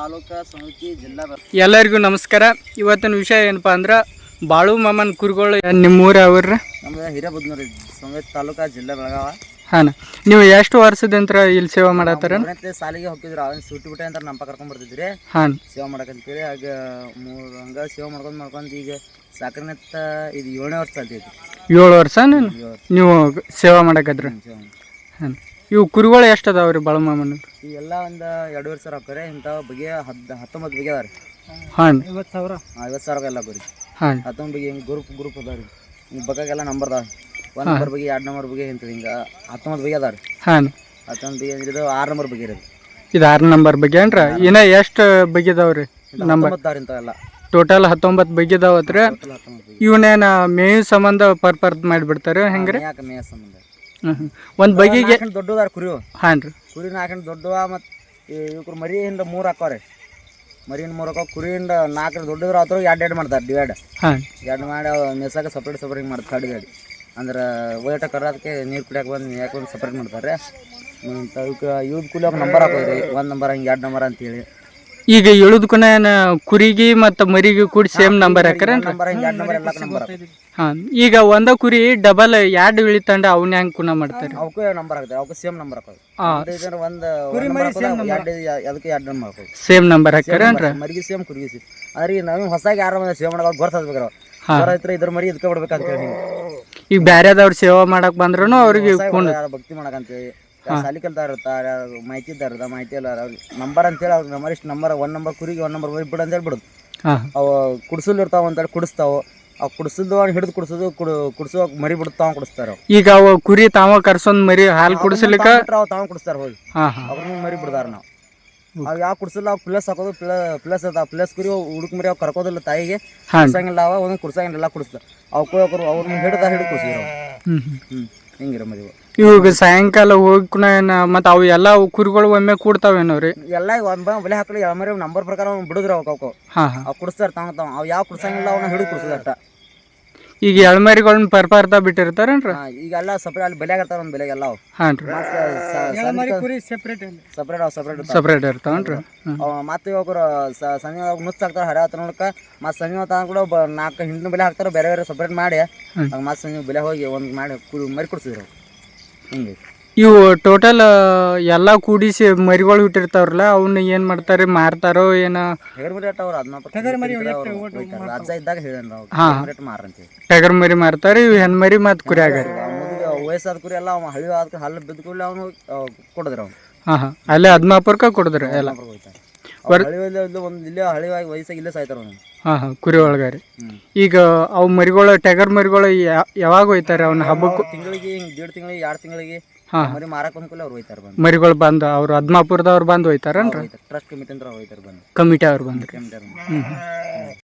ತಾಲೂಕಾ ಸಮಿತಿ ಜಿಲ್ಲಾ. ಎಲ್ಲರಿಗೂ ನಮಸ್ಕಾರ. ಇವತ್ತಿನ ವಿಷಯ ಏನಪ್ಪಾ ಅಂದ್ರೆ ಬಾಳು ಮಾಮನ್ ಕುರಿಗಳು ನಿಮ್ಮೂರು ಯಾವ್ರಿ? ನಮ್ದು ಹಿರೇಬುದ್ನೂರು ಸಮಿತಿ ತಾಲೂಕಾ ಜಿಲ್ಲಾ ಬೆಳಗಾವ. ಹಾಂ, ನೀವು ಎಷ್ಟು ವರ್ಷದಂತ್ರ ಇಲ್ಲಿ ಸೇವೆ ಮಾಡತ್ತಾರ? ಸಾಲಿಗೆ ಹೋಗಿದ್ರು, ಅವನ್ ಸೂಟಿ ಬಿಟ್ಟೆ ಅಂತ ನಮ್ಮ ಕರ್ಕೊಂಡ್ ಬರ್ತಿದ್ರಿ. ಹಾಂ, ಸೇವೆ ಮಾಡಕಂತೇಳಿ ಆಗ ಹಂಗ ಸೇವೆ ಮಾಡ್ಕೊಂಡು ಈಗ ಸಾಕರ್ನೆತ್ತ ಇದು 7ನೇ ವರ್ಷ ಆಗ್ತೈತಿ. 7 ವರ್ಷ ನೀವು ಸೇವೆ ಮಾಡಕತ್ರಿ? ಹಾಂ, ಇವು ಕುರಿಗಳು ಎಷ್ಟು ಅದಾವ್ರಿ ಬಾಳು ಮಾಮನ್? ಇವೆಲ್ಲ ಒಂದು 2 ವರ್ಷ ಹಾಕ್ತಾರೆ. ಇಂಥವು ಬಗೆ 19 ಬಗೆ ಅದಾವ್ರಿ. ಹಾಂ, 50,000 ಎಲ್ಲ ಬರೀ. ಹಾಂ, 19 ಬಗೆ ಹಿಂಗೆ ಗ್ರೂಪ್ ಅದಾವ್ರಿ. ಹಿಂಗೆ ಬಗ್ಗೆಲ್ಲ ನಂಬರ್ ಅದಾವ. 1 ನಂಬರ್ ಬಗೆ 2 ನಂಬರ್ ಬಗೆ ಇಂಥದ್ದು ಹಿಂಗೆ 19 ಬಗೆ ಅದಾವ್ರಿ. ಹಾಂ, 19 ಬಗೆ ಅಂದ್ರೆ ಇದು 6 ನಂಬರ್ ಬಗೆ ಇರೋದು. ಇದು 6 ನಂಬರ್ ಬಗ್ಗೆ ಏನ್ರ? ಇನ್ನ ಎಷ್ಟು ಬಗೆ ಅದಾವ್ರಿ? ನಂಬರ್ ಇಂಥವೆಲ್ಲ ಟೋಟಲ್ 19 ಬಗೆ ಅದಾವತ್ರಿ. ಇವನೇನ ಮೇವು ಸಂಬಂಧ ಪರ್ಪರ್ದ್ ಮಾಡಿಬಿಡ್ತಾರೆ ಹೆಂಗ್ರಿ? ಯಾಕೆ ಮೇಯ ಸಂಬಂಧ ಒಂದು ಬಗೆಗೆ ದೊಡ್ಡದಾರ ಕುರಿ. ಹಾಂ ರೀ, ಕುರಿನ ಹಾಕೊಂಡು ದೊಡ್ಡವ. ಮತ್ತು ಇವ್ರು ಮರಿಯಿಂದ 3 ಹಾಕೋರಿ. ಮರಿಯಿಂದ 3 ಹಾಕೋ, ಕುರಿಯಿಂದ 4 ದೊಡ್ಡದ್ರ ಅದ್ರ 2 ಮಾಡ್ತಾರೆ ಡಿವೈಡ್. ಹಾಂ, 2 ಮಾಡಿ ಅವು ಮೆಸಾಕ ಸಪ್ರೇಟ್ ಮಾಡ್ತಾರೆ. ಗಾಡಿ ಅಂದ್ರೆ ಒಯ್ಟ ಕರೋದಕ್ಕೆ ನೀರು ಕುಡಿಯೋಕೆ ಬಂದು ಯಾಕೆ ಒಂದು ಸಪ್ರೇಟ್ ಮಾಡ್ತಾರೆ. ಇವಕ್ಕೆ ಕೂಲಿ ಹೋಗಿ ನಂಬರ್ ಹಾಕೋದ್ರಿ. 1 ನಂಬರ್ ಹಂಗೆ 2 ನಂಬರ್ ಅಂತೇಳಿ. ಈಗ ಇಳುದ್ಕುನ ಕುರಿಗೆ ಮತ್ತು ಮರಿಗೆ ಕೂಡಿ ಸೇಮ್ ನಂಬರ್ ಹಾಕ್ಯಾರ? ನಂಬರ್ ಹಿಂಗೆ 2 ನಂಬರ್ ಎಲ್ಲ ನಂಬರ್. ಹಾಂ, ಈಗ ಒಂದ ಕುರಿ ಡಬಲ್ 2 ಇಳಿತಂಡ ಅವನ್ನ ಹೆಂಗೆ ಕುನ ಮಾಡ್ತಾರೆ? ಅವಕ್ಕೂ ನಂಬರ್ ಹಾಕ್ತಾರೆ. ಅವಕ್ಕೂ ಸೇಮ್ ನಂಬರ್ ಹಾಕೋದು. ಒಂದು ಅದಕ್ಕೆ 2 ನಂಬರ್ ಹಾಕೋದು. ಸೇಮ್ ನಂಬರ್ ಹಾಕ್ಯಾರ? ಮರಿಗೆ ಸೇಮ್ ಕುರಿಗೆ ಸೇಮ್. ಅಂದ್ರೆ ನಾವು ಹೊಸಾಗಿ ಯಾರು ಸೇವ್ ಮಾಡೋದು ಗೊತ್ತಾಗ್ಬೇಕು. ರೈತರು ಇದ್ರ ಮರಿ ಇದಕ್ಕೆ ಬಿಡ್ಬೇಕಂತ ಹೇಳಿ. ಈಗ ಬೇರೆದವ್ರು ಸೇವೆ ಮಾಡಕ್ ಬಂದ್ರು ಅವ್ರಿಗೆ ಭಕ್ತಿ ಮಾಡಕಂತೇಳಿ ಸಾಲಿ ಕಲ್ತಾರ ಇರ್ತಾರೆ, ಮಾಹಿತಿ ಇದ್ದಾರ, ಮಾಹಿತಿ ಎಲ್ಲ ನಂಬರ್ ಅಂತೇಳಿ ಅವ್ರಿಗೆ ನಂಬರ್ ಇಷ್ಟು ನಂಬರ್ 1 ನಂಬರ್ ಕುರಿಗೆ 1 ನಂಬರ್ ಬಿಡು ಅಂತೇಳಿ ಬಿಡುದು. ಅವು ಕುಡ್ಸಲ್ ಇರ್ತಾವ ಅಂತೇಳಿ ಕುಡಿಸ್ತಾವ. ಅವು ಕುಡಿಸಿದ್ದು ಹಿಡಿದು ಕುಡಿಸೋ ಮರಿ ಬಿಡ್ತಾವ ಕುಡಿಸ್ತಾರ. ಈಗ ಅವು ಕುರಿ ತಾವ ಕರ್ಸೊಂದ್ ಮರಿ ಹಾಲು ಕುಡಿಸ್ಲಿಕ್ಕ ತಾವ ಕುಡಿಸ್ತಾರ. ಹೋಗಿ ಅವ್ರನ್ನ ಮರಿ ಬಿಡ್ದಾರ. ನಾವು ಅವು ಯಾವ ಕುಡ್ಸಲ್ಲ. ಅವು ಪ್ಲಸ್ ಹಾಕೋದು. ಪ್ಲಸ್ ಅದ ಪ್ಲಸ್ ಕುರಿ ಹುಡುಕ್ ಮರಿ ಅವು ಕರ್ಕೋದಿಲ್ಲ. ತಾಯಿಗೆ ಕುಡ್ಸಂಗಿಲ್ಲ. ಅವ ಒಂದೊಂದು ಕುಡ್ಸಂಗಿಲ್ಲ, ಕುಡಿಸ್ತಾರ. ಅವ್ರು ಅವ್ರನ್ನ ಹಿಡ್ದ ಕುಡಿಸಿದ್ರು. ಹಿಂಗಿರ ಮರಿ. ಇವಾಗ ಸಾಯಂಕಾಲ ಹೋಗಿ ಮತ್ತೆ ಅವು ಎಲ್ಲ ಕುರಿಗಳು ಒಮ್ಮೆ ಕೂಡ್ತಾವೇನವ್ರಿ? ಎಲ್ಲ ಬೆಲೆ ಹಾಕಲಿ ಮರಿ ನಂಬರ್ ಪ್ರಕಾರ ಬಿಡುದ್ರ ಅವಕ್ಕೆ. ಅವು ಕುಡಿಸ್ತಾರ ತಾವ. ಅವು ಯಾವ ಕುಡ್ಸಂಗಿಲ್ಲ ಅವನ್ನ ಹಿಡಿದು ಕುಡಿಸಿದಷ್ಟ. ಈಗ ಎಳ್ಮರಿಗಳನ್ನ ಪರ್ಪಾರ್ತಾ ಬಿಟ್ಟಿರ್ತಾರೇನ್ರಿ? ಈಗೆಲ್ಲ ಸಪ್ರೇಟ್ ಅಲ್ಲಿ ಬೆಲೆ ಆಗಿರ್ತಾರ. ಒಂದು ಬೆಲೆಗೆ ಎಲ್ಲ. ಹಾಂ ರೀ, ಸಪ್ರೇಟ್ ಇರ್ತಾವನ್ರಿ. ಮತ್ತೆ ಇವಾಗ ಸಂಜೆ ನುಚ್ಚ ಹಾಕ್ತಾರ. ಹರ ಹತ್ರ ನೋಡಕ ಮತ್ತೆ ಸಂಜೆ ಕೂಡ 4 ಹಿಂದಿನ ಬೆಲೆ ಹಾಕ್ತಾರ. ಬೇರೆ ಬೇರೆ ಸಪ್ರೇಟ್ ಮಾಡಿ ಮತ್ತೆ ಸಂಜೆ ಬೆಲೆ ಹೋಗಿ ಒಂದು ಮಾಡಿ ಮರಿ ಕುಡಿಸಿದ್ರು. ಹಿಂಗೆ ಇವು ಟೋಟಲ್ ಎಲ್ಲ ಕೂಡಿಸಿ ಮರಿಗಳು ಇಟ್ಟಿರ್ತಾವ್ರಲ್ಲ, ಅವನ್ನ ಏನು ಮಾಡ್ತಾರೆ? ಮಾರ್ತಾರೋ ಏನೋ? ಟಗರ್ ಮರಿ ಅಜ್ಜ ಇದ್ದಾಗ ಹೇಳೇನ್ ಮಾರಂತೀವಿ. ಟಗರ್ ಮರಿ ಮಾರ್ತಾರೆ. ಇವು ಹೆಣ್ ಮರಿ ಮತ್ತು ಕುರಿಯಾಗ ವಯಸ್ಸಾದ ಕುರಿ ಎಲ್ಲ ಹಳಿ ಆದ ಹಲ್ಲು ಬಿದ್ದ ಕೂಡಲೇ ಅವನು ಕೊಡಿದ್ರು. ಅವ್ನು ಹಾಂ, ಅಲ್ಲೇ ಹದ್ಮಾಪುರಕ್ಕೆ ಕೊಡಿದ್ರು ಎಲ್ಲ. ಒಂದು ಇಲ್ಲೇ ಹಳಿವಾಗಿ ವಯಸ್ಸಾಗಿ ಇಲ್ಲೇ ಸಾಯ್ತಾರ ಅವನು. ಹಾಂ, ಕುರಿ ಒಳಗಾರಿ. ಈಗ ಅವು ಮರಿಗಳು ಟಗರ್ ಮರಿಗಳು ಯಾವಾಗ ಹೋಯ್ತಾರೆ? ಅವನ ಹಬ್ಬಕ್ಕೂ ತಿಂಗಳಿಗೆ 1.5 ತಿಂಗಳಿಗೆ 2 ತಿಂಗಳಿಗೆ ಮರಿ ಮಾರಕ್ ಬಂದ್ಕೂಲೆ ಅವ್ರು ಹೋಯ್ತಾರ. ಮರಿಗಳು ಬಂದು ಅವ್ರು ಹದ್ಮಾಪುರದವ್ರು ಬಂದು ಹೋಯ್ತಾರನ್ರಿ? ಟ್ರಸ್ಟ್ ಕಮಿಟಿ ಅಂತ ಹೋಯ್ತಾರ. ಬಂದು ಕಮಿಟಿ ಅವ್ರು ಬಂದು.